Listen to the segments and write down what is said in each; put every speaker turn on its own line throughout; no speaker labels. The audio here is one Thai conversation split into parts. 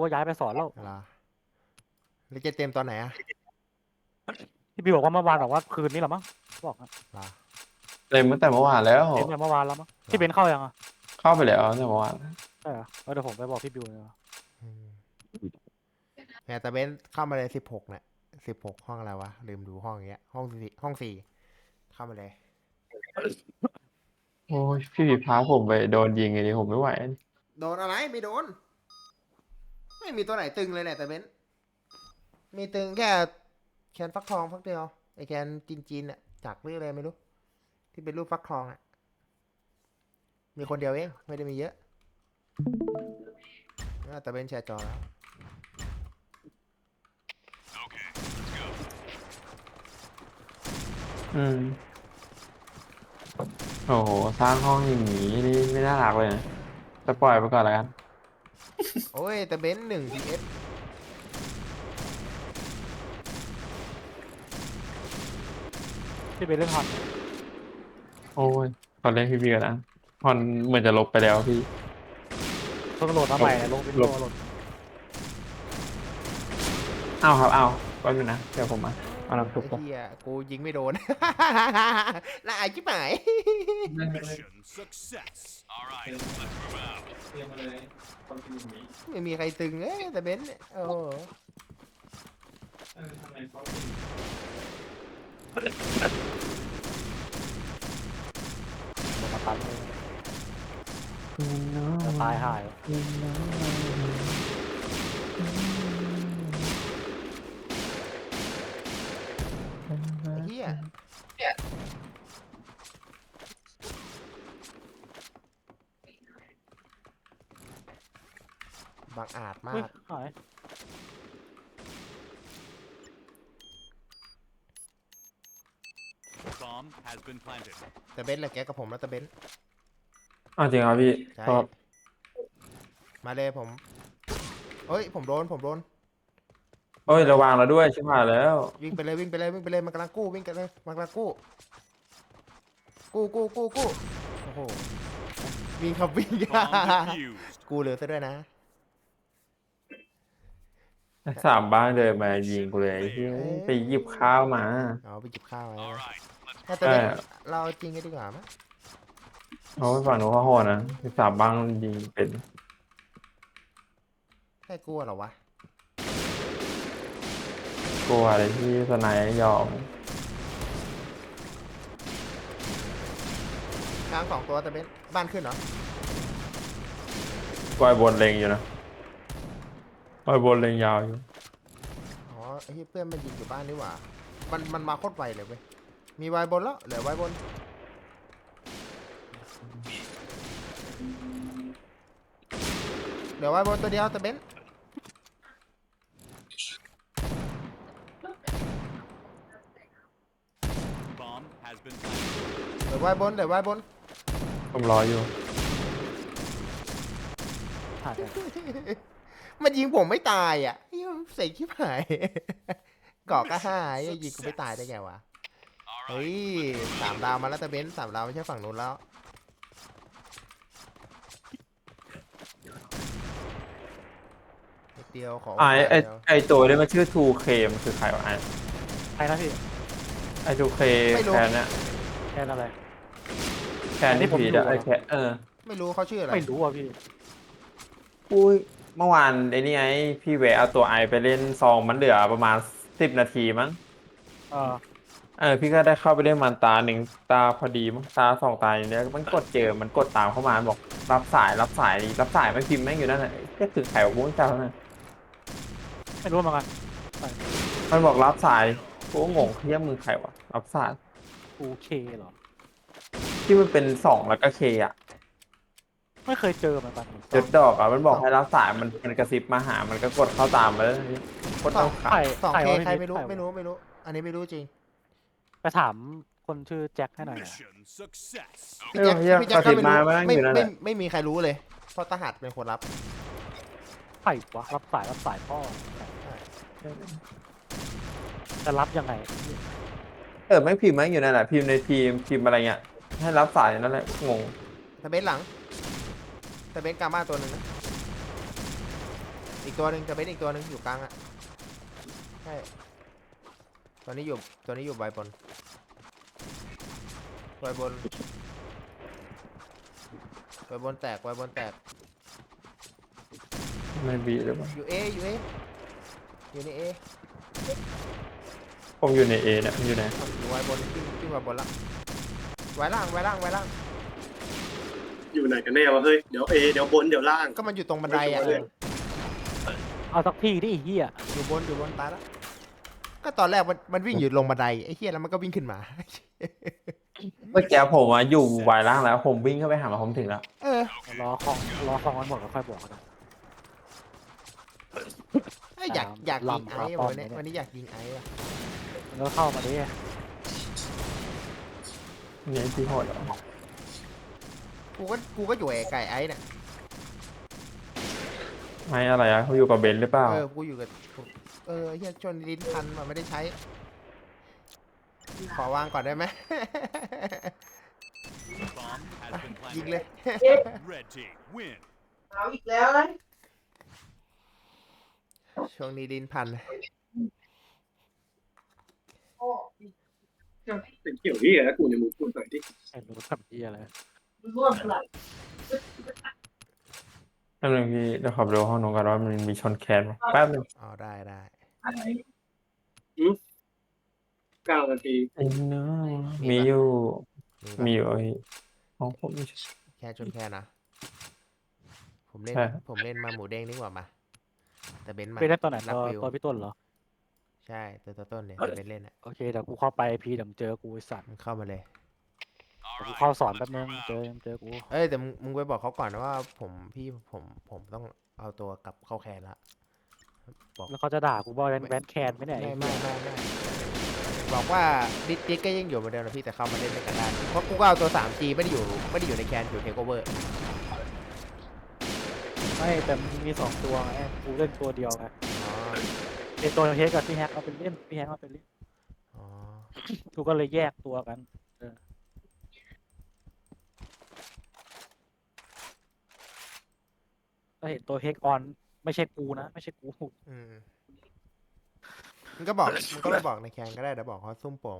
ก็ย้ายไปสอนแล้ว
เหรอแล้วจะเต็มตอนไหนอะ
พี่บิวบอกว่าเมื่อวานบอกว่าคืนนี้เหรอมั้งบอกนะ
เหรอ
เต็มตั้งแต่เมื่อวานแล้ว
เต็มแต่เมื่อวานแล้วมั้ง
เหรอ
พี่เบนเข้ายังอ่ะ
เข้าไปแล้วตั้งแต่เมื่อวาน
ใช่เหรอเดี๋ยวผมไปบอกพี่บิวเลยว่า
อืมเนี่ยแต่เบนเข้ามาเลย16เนี่ย16ห้องอะไรวะลืมดูห้องอย่างเงี้ยห้องสี่เข้ามาเลย
โอ้ยพี่พาผมไปโดนยิงไงดิผมไม่ไหว
โดนอะไรไม่โดนไม่มีตัวไหนตึงเลยเนี่ยแต่เบนมีตึงแค่แคนฟักทองฟักเดียวไอแคนจีนอะจากเรื่องอะไรไม่รู้ที่เป็นรูปฟักทองอะมีคนเดียวเองไม่ได้มีเยอะแต่เบนแชร์จอแล้ว
อืมโอ้โหสร้างห้องอย่างนี้นี่ไม่น่ารักเลยนะจะปล่อยไปก่อนแล้วกัน
โอ้ยแต่เบน1 vs
พี่เบนเล่นฮอน
โอ้ยตอนเล่นพี่กันนะฮอนเหมือนจะลบไปแล้วพี่
เพิ่งโหลดมาใหม่เนี่ยลงวินโดว์โหลด
อ้าวครับอ้าวก็อยู่นะเดี๋ยวผมมาเอาน้ำซุป
ไอ้
ก่อน
เหี้ยกูยิงไม่โดนน่าอายชิบหาย
Mission success. All right, let's move out.
ไม่มีใครตึงแต่เบนซ์เนี่ยโอ้โห
ลงมาตันเลยจะตายหาย
ไอ้เหี้ยบังอาจมา
เฮ้ย
ก
หาย
Bomb has been planted.
แต่เบนซ์แหละแกกับผมแล้วแต่เบนซ์
อ้าวจริงครับพี่
ใช่
ชอบ
มาเลยผมเฮ้ยผมโดน
เอ้ยระวังเราด้วยชิบหายแล้ว
วิ่งไปเลยวิ่งไปเลยวิ่งไปเลยมันกำลังกู้วิ่งกันเลยมันกำลังกู้โอ้โหวิ่งครับวิ่ง
Bomb defused.
กูเหลือซะด้วยนะ
สามบ้างเดินมายิงกูเลยไอ้เหี้ยไปหยิบข้าวมา
เอาไปจิบข้าวไว้
All right, let's
แต่
ใช่
เบนซ์เราจริงกันดีกว่ามั้ย
เอาไปฝั่งหนูเขาโหดนะสามบ้างยิงเป็น
แค่กลัวเหรอวะ
กลัวอะไรที่สไนด์ยอม
กลาง2 ตัวแต่เบนซ์บ้านขึ้นเหรอ
กอยบนเลงอยู่นะกอยบนเลงยาวอยู่
อ๋อไอ้ที่เพื่อนมันยิงอยู่บ้านนี่หว่ามันมาโคตรไวเลยเว้ยมีวายบนแล้วเหลือวายบนเหลือวายบนตัวเดียวแต่เบนซ์
bomb has been planted.
เหลือวายบนเหลือวายบน
ผมรออยู่
หายไป
มันยิงผมไม่ตายอ่ะเฮ้ยมันเสกชิบหาย เกาะก็ห้าไอ้ยิงกูไม่ตายได้ไงวะ
All
เฮ้ย
right,
3 ดาวมาแล้วแต่เบนซ์3 ดาวไม่ใช่ฝั่งนู้นแล้วนิดเดียวขอโอกาส
ไอ
เดียว
ไอตัวนี้มันชื่อ 2K มันคือใครวะ
ใครนะพี่
ไอ 2K
ไม่รู้
แคนเนี่ย
แค่อะไร
แคน
อันนี้
ที่
ผม
ผี
ดู
อะไอ
อะ
แคน
ไม่รู้เขาชื่ออะไร
ไม่รู้อ่ะพี่
อุ้ยเมื่อวานไอ้นี่ไงพี่แวะเอาตัวไอไปเล่นซองมันเหลือประมาณ10 นาทีมั้ง
เออ
พี่ก็ได้เข้าไปเล่นมันตาหนึ่งตาพอดีมั้งตาสองตาอย่างเนี้ยมันกดเจอมันกดตามเข้ามาบอกรับสายไม่พิมพ์แม่งอยู่นั่นแหละแค่ถึงไข่วงเจ้าน่ะ
ไม่รู้เหมือนกัน
มันบอกรับสายกูก็งงเรียกมือไข่วะรับสาย
โอเคเหรอ
ที่มันเป็น2แล้วก็เคอ่ะ
ไม่เคยเจอเหมือนกัน
เจ็ดดอกอ่ะมันบอกให้รับสายมันกระซิบมาหามันก็กดเข้าตามมาแล้วกดเอาขา
ใคร
2K ใครไม่รู้
ใควะ
ไม่รู้ อันนี้ไม่รู้จริง
ไปถามคนชื่อแจ็คให้หน่อยนะ
mission success.
เออเฮีย
พี่
ก
แจ็ค
ระ
ก็
ซิบ
ไม่
มา
รู้
แม่งอยู่นั่นแหละ
ไม่มีใครรู้เลย เพราะทหารเป็นคนรับ
ใครวะรับสายพ่อจะรับยังไง
แม่งพิมพ์แม่งอยู่นั่นแหละพิมพ์ในทีมพิมพ์อะไรเงี้ยให้รับสายนั่นแหละงง
แต่เบนซ์หลัง แต่เบนซ์กามาตัวหนึ่งนะอีกตัวหนึ่งจะเป็นอีกตัวหนึ่งอยู่กลางอะใช่ตัวนี้อยู่ใบบนใบบนใบบนแตกใบบนแตก
ไม่บีหรือเปล่า
อยู่อยู่ในเอ
ผมอยู่ในเอเนี่ยอยู่ไหน
อยู่ใบบนขึ้นมาบนละไว้ล่างไว้ล่างไว้ล่าง
อยู่ไหนกันแน่วะเฮ้ยเดี๋ยวเอเดี๋ยวบนเดี๋ยวล่าง
ก็มันอยู่ตรงบันไดอะ
เอาสักที่ดิไอ้เหี้ย
อยู่บนตายแล้วก็ตอนแรกมันวิ่งอยู่ลงบันไดไอ้เหี้ยแล้วมันก็วิ่งขึ้นมา
เมื่อกี้ผมอยู่วายล่างแล้วผมวิ่งเข้าไปหามาผมถึงแล้ว
เออ
รอของมันหมดแล้วค่อยบอกกันนะ
เอ้ยอยากยิง
ลำ
ไอ้
ป้อม
วันนี้
เนี่ย
วันนี้อยากยิงไอ้อะ
มันก็เข้ามาดิ
นี่ที่โหดเหรอ
กูก็อยู่ไก่ไอ้เนี่ย
ไม่อะไรอะเขาอยู่กับเบนซ์หรือเปล่า
กูอยู่กับไอ้เหี้ยชนลิ้นพันมันไม่ได้ใช้ ขอวางก่อนได้ไหม
Bomb has been
ยิง
planted.
เลย
Red team win.
เอาอีกแล้วนะ
ช่วงนี้ลิ้นพัน
โอ้
เป็นเกี่ยวที่แล้วกูเนี่ยมึงพูดหน่อยดิ
ไอ้รู้ทำเหี้ยอะไร
ร่วมหลับ
แป๊บนึงพี่เดี๋ยวขอไปดูห้องน้องกันว่ามันมีชนแคนไหมแป๊บนึง
อ๋อได้
อะไร
9 นาที
ไอ้เนื้อมีอยู่
มี
มี
ปะ
อยู่ไอ้ห้องผมมี
แค่ชนแค่นะ ผมเล่น
ใช่
ผมเล่นมาหมูเด้งดีกว่ามา แต่เบนซ์มา
ไปเล่นตอนไหน
รับ
ตัว
วิว
ตัวพี่ต้นเหรอ
ใช่ตัวต้นเนี่ยแต่เบนซ์เล่นอ่ะ
โอเคเดี๋ยวกูเข้าไปพีเดี๋ยวมึงเจอกูไอ้สัตว์
มันเข้ามาเลย
เดี๋ยวกูเข้าสอนแป๊บนึงเจอกู
เอ้ยแต่มึงไปบอกเขาก่อนนะว่าผมต้องเอาตัวกลับเข้าแคนละ
แล้วเขาจะด่ากูว่าแบนแคนไหมเนี่ย
ไม่บอกว่าดิสก็ยังอยู่เหมือนเดิมนะพี่แต่เข้ามาเล่นด้วยกันได้เพราะกูก็เอาตัว 3G ไม่ได้อยู่ในแคนอยู่เทคโอเวอร์
ไม่แต่มันมี2ตัวไงกูเล่นตัวเดียวไง
อ๋อ
ไอ้ตัวเฮกกับพี่แฮกเอาเป็นเล่นพี่แฮกเอาเป็นเล่น
อ๋อ
กูก็เลยแยกตัวกันก็เห็นตัวเฮกออนไม่ใช่กูนะไม่ใช่กู
อืมมันก็บอกไปบอกในแคนก็ได้เดี๋ยวบอกเขาซุ่มโป่ง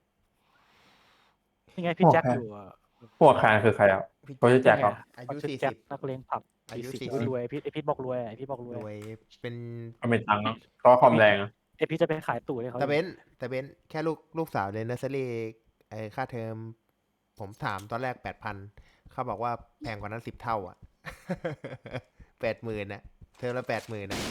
นี่ไงพี่แจ็คอยู่อะ
พวกแคนคือใครอ่ะ
พี่
เขาจะแจกเหรอ
อายุ
เขาชื่อแจ็คนักเลงผับ
อายุ
40
40
รวยไอพี่บอกรวยไอพี่บอกรวย
รวยเป็น
เขาไม่ตังค์เนอะเพราะว่าความแรงอะ
ไอพี่จะไปขายตู่ให้เขา
แต่เบนแค่ลูกสาวเรียนเนอร์เซอรี่ไอ้ค่าเทอมผมถามตอนแรก 8,000เขาบอกว่าแพงกว่านั้น10 เท่าอ่ะ 80,000นะเทอมละ80,000นะ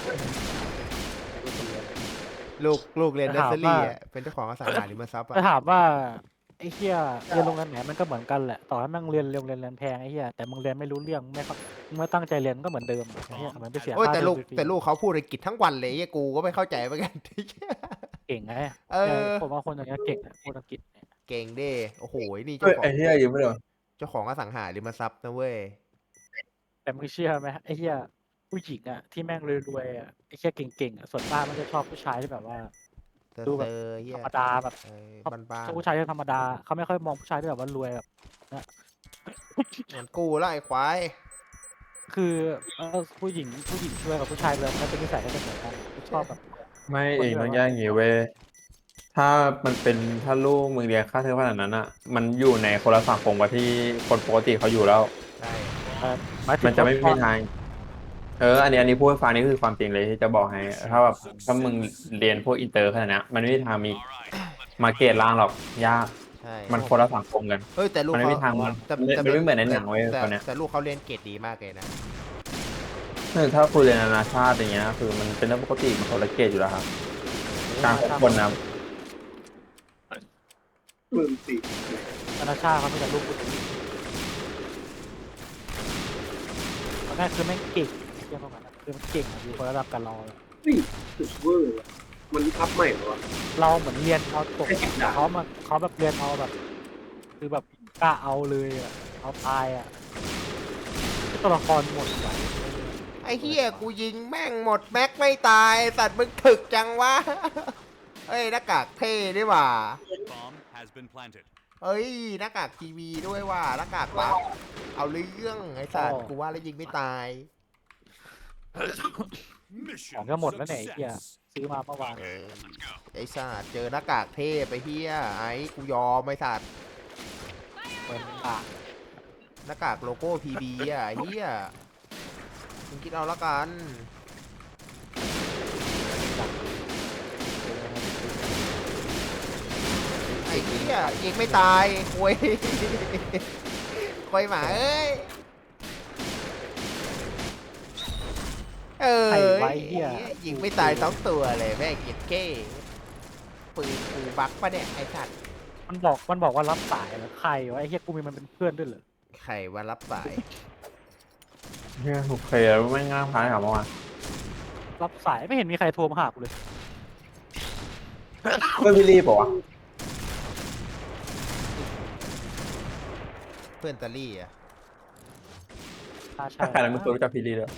ลูกเรียนเนอร์เซอรี่อ่ะเป็นเจ้าของอสังหาริมทรัพย์
จะ
อ่ะ
ถามว่าไอ้เหี้ยเรียนโรงเรียนไหนมันก็เหมือนกันแหละต่อให้มึงเรียนแพงไอ้เหี้ยแต่มึงเรียนไม่รู้เรื่องมึงไม่ตั้งใจเรียนก็เหมือนเดิมไอ้เหี้ยเหมือนไปเสีย
โอ้ย
ค่า
แต่
เทอมฟรี
ลูกเขาพูดอังกฤษทั้งวันเลยไอ้กูก็ไม่เข้าใจเหมือนกัน
เก่งไง
เออ
ผมว่าคนอย่างเงี้ยเก่งนะพูดอังกฤษเนี่ย
เก่งเด้โอ้โหนี่
เอ้ยไอ้เหี้ยยืมไม่ได้
เจ้าของอสังหาริมทรัพย์นะเว้ย
แต่มึงเชื่อไหมไอ้เหี้ยผู้หญิงอ่ะที่แม่งรวยๆอ่ะไอ้เหี้ยเก่งๆอ่ะส่วนมากมันจะชอบผู้ชายที่แบบว่า
เซอ
ดูแบบ
เฮี
ธ
ย
รรมดาแบบ
บ้าน
ชอบผู้ชายที่ธรรมดาเขาไม่ค่อยมองผู้ชายที่แบบว่ารวยแบบ
ๆเหมือนกูแล้วไอ้ควาย
คือผู้หญิงช่วยกับผู้ชายเลยมันเป็นนิสัยก็จะเหมือนกันชอบแบบ
ไม่เองต้องแยกอย่างงี้เว้ยถ้าลูกมึงเรียนค่าเทอมขนาดนั้นอ่ะ มันอยู่ในคนละสังคมกว่าที่คนปกติเขาอยู่แล้ว
ใช่
หายถึง
มันจะไม่มี
ว่า
ทางอันนี้พูดให้ฟังนี่คือความจริงเลยที่จะบอกให้ถ้ามึงเรียนพวกอินเตอร์ขนาดนี้มันไม่มีทางมี
All right.
มาเกตล่างหรอกยาก
ใช่
มันคนละสังคมกัน
เฮ้ยแต่ลูก
มันไม่มีทาง
แต่
มันไม่เหมือนในหนังเว้ย
แต่
ตอนเนี้ย
แต่ลูกเขาเรียนเกรดดีมากเลยนะ
ถ้าคุณเรียนนานาชาติอย่างเงี้ยคือมันเป็นเรื่องปกติมันคนละเกตอยู่แล้วครับการคบคนนะ
ธนาชาติเขาไม่แต่ลูกผู้หญิงตอนแรกคือแม่งเก่งเทียบกันนะคือมันเก่งอะอยู่คนระดับกันเราอะ
สุดเวอร์ว่ะมันอัพใหม่เหรอวะ
เราเหมือนเรียนเอาตก
แค่10 ดาว
เขาแบบเรียนเอาแบบ คือแบบกล้าเอาเลยอะเอาตายอะตัวละครหมดไป
ไอ้เฮียกูยิงแม่งหมดแม็กไม่ตายสัตว์มึงถึกจังวะ เอ้ยหน้ากากเท่ด้วยว่ะ
Bomb has been planted.
เอ้ยหน้ากากทีวีด้วยว่ะหน้ากากวับเอาเรื่องไอ้สัตว์กูว่าแล้วยิงไม่ตาย
Mission
ของก็หมดแล้วเนี่ยไอ้เหี้ย
success.
ซื้อมาเมื่อวาน
ไอ้สัตว์เจอหน้ากากเทพไปเฮียไอ้กูยอมไอ้สัตว์
เปิดปาก
หน้ากากโลโก้ PB อ่ะเฮียมึงคิดเอาละกันไอ้เฮียยิงไม่ตายคุย คุยหมาเอ้ยเออ
ไอ้ไว้เหี้ย
ยิงไม่ตายสองตัวเลยแม่งเก็บเก้ปืนกูบักปะเนี่ยไอ้สัตว์
มันบอกว่ารับสายเหรอใครวะไอ้เหี้ยกูมีมันเป็นเพื่อนด้วยเหรอ
ใครว่ารับสาย
เฮียโอเคแล้วไม่ง่ายพายหรอเมื่อวาน
รับสายไม่เห็นมีใครโทรมาหากูเลย
เพื่อนพี่รีบบอกว่า
เพื่อนตาลี่อ่ะ
ใช่
ถ้าใครนั้นไม่เคยรู้จักพี่รีเลย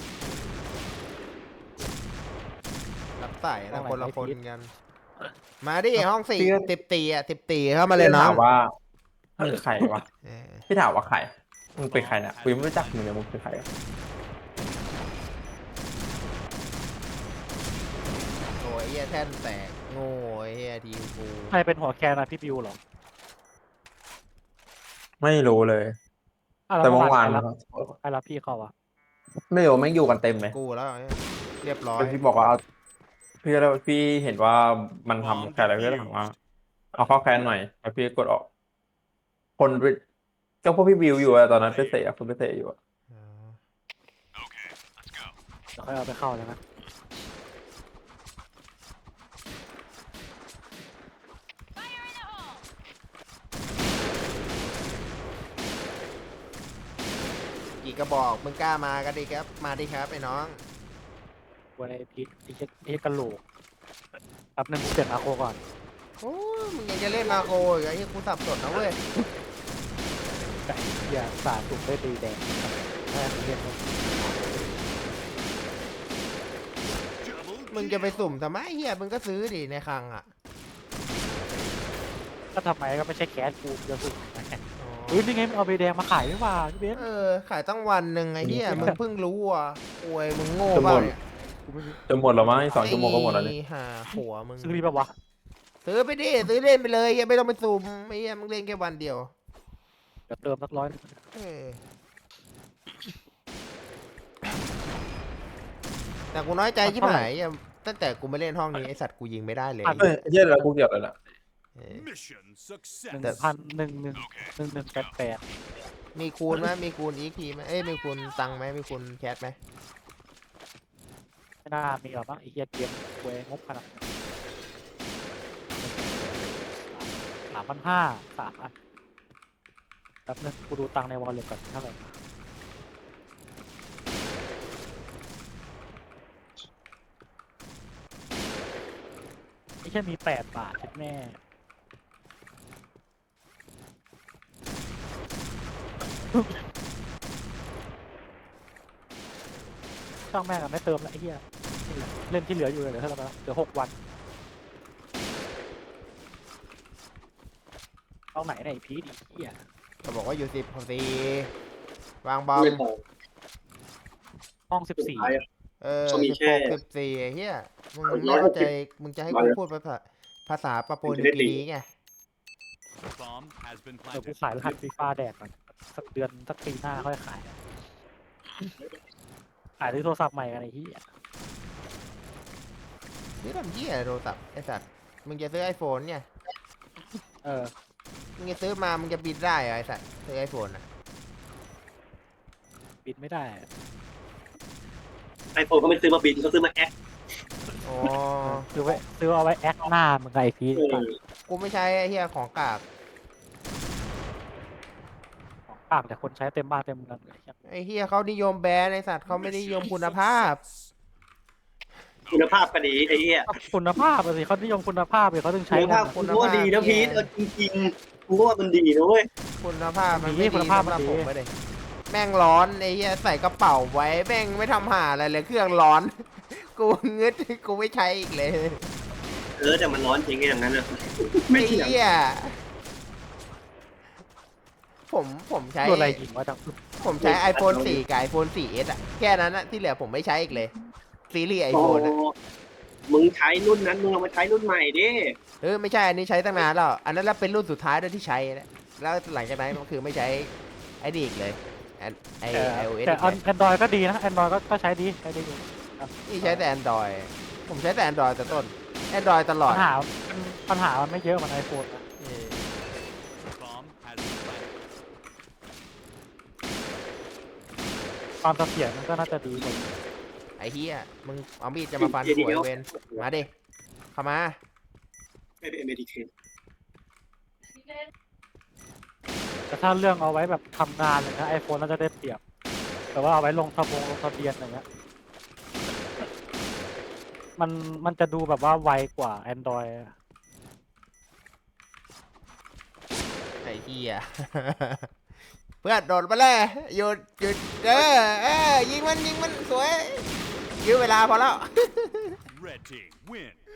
รับสายนะคนละคนกัน มาดิห้องสี่14อ่ะ14เข้ามาเลย
พี่
น้อ
ถาง มว่ามึงใครวะ
เออ
พี่ถามว่าใครมึงเป็นใครเนี่ยกูยังไม่รู้จักมึงเลยมึงเป็นใครอะ
โอ้ยเฮียแท่นแตกโง่ไอ้เฮียทีมกู
ใครเป็นหัวแคนอะพี่บิวเหรอ
ไม่รู้เลย
อ่ะแล้ว
แต่เมื่อวาน
ใครรับพี่เขาอะ
ไม่รู้ไม่งอยู่กันเต็มเลย
กูแล้วไอ้เรียบร้อย
แต่พี่บอกว่าเอาพี่แล้วพี่เห็นว่ามันทำแค่อะไรพี่ก็ถามว่าเอาเข้าแคนหน่อยแล้วพี่กดออก คนไปเจ้าพวกพี่บิวอยู่อะตอนนั้นไปเตะคนไปเตะอยู่อะ
อ๋อ
Okay, let's go.
เดี๋ยวค่อยเอาไปเข้าแล้วนะ
กี่กระบอกมึงกล้ามากันดิครับมาดิครับไอ้น้อง
วันไอ้พีไอ้เหี้ยกระโหลกแป๊บนึงกูเปลี่ยนอาโคก่อน
โอ้ยมึงยังจะเล่นมาโคอีกไอ้เฮียกูสับสนนะเว้ย
ไก่เหี้ยสาสุกได้ตีแดงแม่งเรียกว่า
Double
มึงจะไปสุ่มทำไมเฮียมึงก็ซื้อดิในคลังอ่ะ
ก็ทำไมก็ไม่ใช่แคสกูจะสุกนะ
อ๋อ
เฮ้ยนี่ไงมึงเอาใบแดงมาขายไม่ว่าพี่เบนซ์
เออขายตั้งวันหนึ่งไอ้เฮียมึงเพิ่งรู้อ่ะโอ้ยมึงโง่เปล่าเนี่ย
กูไม่รู้
จะหมดแล้วมั้งอีก2 ชั่วโมงก็หมดแล้วนี่
ไอ้ห่าหัวมึง
ซื้อดีป่าวะ
ซื้อไปดิซื้อเล่นไปเลยเฮียไม่ต้องไปสุ่มไอ้เฮียมึงเล่นแค่วันเดียว
เดี๋ยวเติมสัก100
เออแต่กูน้อยใจชิบหายอ่ะตั้งแต่กูไม่เล่นห้องนี้ไอสัตว์กูยิงไม่ได้เลย
เฮ้ยเย็นแล้วกูเกี่ยวเลยนะ
เออ
mission success.
1,188
มีคูณไหมมีคูณอีกทีไหมเอ้ยมีคูณตังค์ไหมมีคูณแคสไหม
ไม่น่ามีหรอกมั้งไอ้เหี้ยเกมเวงบขนาดนั้น3,500 3 อันแป๊บนึงกูดูตังค์ในวอลเล็ตก่อนเท่าไหร่ไม่ใช่มี8 บาทใช่แม่ช่างแม่งอะไม่เติมละไอ้เหี้ยเล่นที่เหลืออยู่เลยเดี๋ยวเท่าไหร่เดี๋ยว6 วันเอาไหนไหนพีดอีกเหี้ย
ก็บอกว่าอยู่10ของ4วางบอม
ไม่พอ
ห้อง
สุดท้ายอะ
เออ
เขามีแค่
16 14ไอ้เฮียมึง
ร้
ไม่
อยห
เข้าก ใจ
สิบ
มึงจะให้
ร้อ
กู
ย
พูดภาษาปาโป
มึง
นิ
จะได้
วกิ
ตี
นีไง
Bomb has been
14เดี๋ยวกู
planted.
ขายรหัสฟีฟ่าแดกก่อนสักเดือนสักปีหน้าค่อยขายซื้อโทรศัพท์ใหม่กันไอ้เหี้ย
นี่ทำเฮียโทรศัพท์ไอสัตว์มึงจะซื้อไอโฟนเนี่ย
เออ
มึงจะซื้อมามึงจะบินได้เหรอไอสัตว์ซื้อไอโฟนอ่ะ
บินไม่ได้
ไอโฟนก็ไม่ซื้อมาบินก็ซื้อมาแอค
อ๋อ
ซื้อเอาไว้แอคหน้ามึงไงพีด
กูไม่ใช้ไอเฮียของกาก
ของปากแต่คนใช้เต็มบ้านเต็มเมืองเลย
ไอเฮียเขานิยมแบรนด์ไอสัตว์เขาไม่ได้นิยมคุณภาพ
คุณภาพก็ดีไอ้เหี้ย
คุณภาพอะสิเขานิยมคุณภาพเลยเขาถึงใช้
คุณ
กั
ภาพ
น
คุณว่าดีนะพีทเออจริงๆกูว่ามันดีนะเว้ย
คุณภาพมัน
ดี
ไม่
คุ
ดี
ณภาพ
สำหรับ
มันดี
ผมไม่ได้แม่งร้อนไอ้เหี้ยใส่กระเป๋าไว้แม่งไม่ทำหาอะไรเลยเครื่องร้อน กูงึดกูไม่ใช้อีกเลย
แต่มันร้อนจริงอย่างนั้นอะไม่
ไอ้
เถียง
เหี้ยผมใช้
ตัวอะไรยิงวะจัง
ผมใช้ iPhone 4 กับ iPhone 4S อ่ะแค่นั้นอะที่เหลือผมไม่ใช้อีกเลยซีรีส์ไอ
โอ้
โฟนอะ
มึงใช้รุ่นนั้นมึงเอามาใช้รุ่นใหม่ดิ
ไม่ใช่อันนี้ใช้ตั้งนานแล้วอันนั้นแล้วเป็นรุ่นสุดท้ายด้วยที่ใช้นะแล้วหลังจากนั้นก็คือไม่ใช้ไอ้นี่อีกเลยไอ iOS
แต่
อีกเลย
แอนดรอยก็ดีนะแอนดรอยก็ใช้ดีอยู่
นี่ใช้แต่ Android ผมใช้แต่ Android แต่ต้น Android ตลอด
ปัญหามันไม่เยอะเหมือนไอโฟนนะ
เออ
Bomb has been planted.
ความเสถียรมันก็น่าจะดีกว่า
ไอ้เฮียมึงเอามีดจะมาฟันหัวไอ้เวนมาดิเข้ามา
ไม่เป็นเมดิเค
แต่ถ้าเรื่องเอาไว้แบบทำงานเลยนะไอโฟนน่าจะได้เปรียบ แต่ว่าเอาไว้ลงทะเบียนอย่างเงี้ยมันจะดูแบบว่าไวกว่า Android
ไอ้เฮีย เพื่อนโดดมาเลยหยุดยิงมันสวยยื้อเวลาพอแล้ว
Red team win.